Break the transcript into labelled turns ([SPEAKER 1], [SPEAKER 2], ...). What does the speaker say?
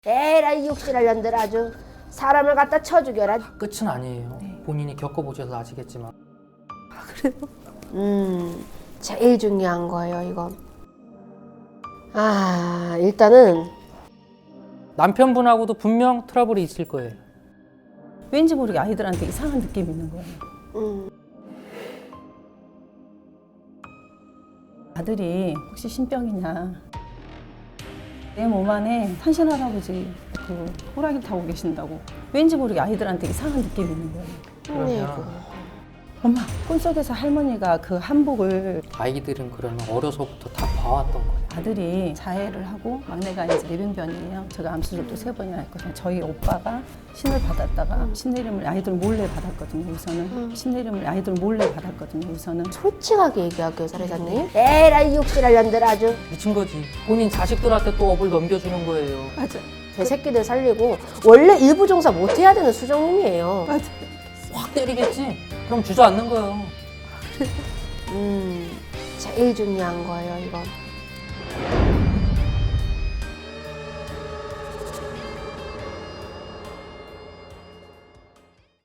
[SPEAKER 1] 에라이 육실할 년들 아주 사람을 갖다 쳐 죽여라.
[SPEAKER 2] 끝은 아니에요. 본인이 겪어보셔서 아시겠지만.
[SPEAKER 1] 제일 중요한 거예요, 이건. 일단은
[SPEAKER 2] 남편분하고도 분명 트러블이 있을 거예요.
[SPEAKER 3] 왠지 모르게 아이들한테 이상한 느낌이 있는 거예요. 아들이 혹시 신병이냐. 내 몸 안에 산신 할아버지 그 호랑이 타고 계신다고. 왠지 모르게 아이들한테 이상한 느낌이 있는 거예요.
[SPEAKER 2] 그러면
[SPEAKER 3] 엄마, 꿈속에서 할머니가 그 한복을
[SPEAKER 2] 아이들은 그러면 어려서부터 다 봐왔던 거예요.
[SPEAKER 3] 아들이 자해를 하고 막내가 이제 내변변이에요. 제가 암수술도 3번이나 했거든요. 저희 오빠가 신을 받았다가 신내림을 아이들 몰래 받았거든요. 우선은 신내림을 아이들 몰래 받았거든요. 우선은
[SPEAKER 1] 솔직하게 얘기할게요, 사례자님. 에라이 육실할 년들 아주
[SPEAKER 2] 미친 거지. 본인 자식들한테 또 업을 넘겨주는 거예요.
[SPEAKER 3] 맞아,
[SPEAKER 1] 제 새끼들 살리고 원래 일부 종사 못 해야 되는 수정님이에요.
[SPEAKER 3] 맞아.
[SPEAKER 2] 확 때리겠지? 그럼 주저앉는 거예요.
[SPEAKER 1] 제일 중요한 거예요, 이건.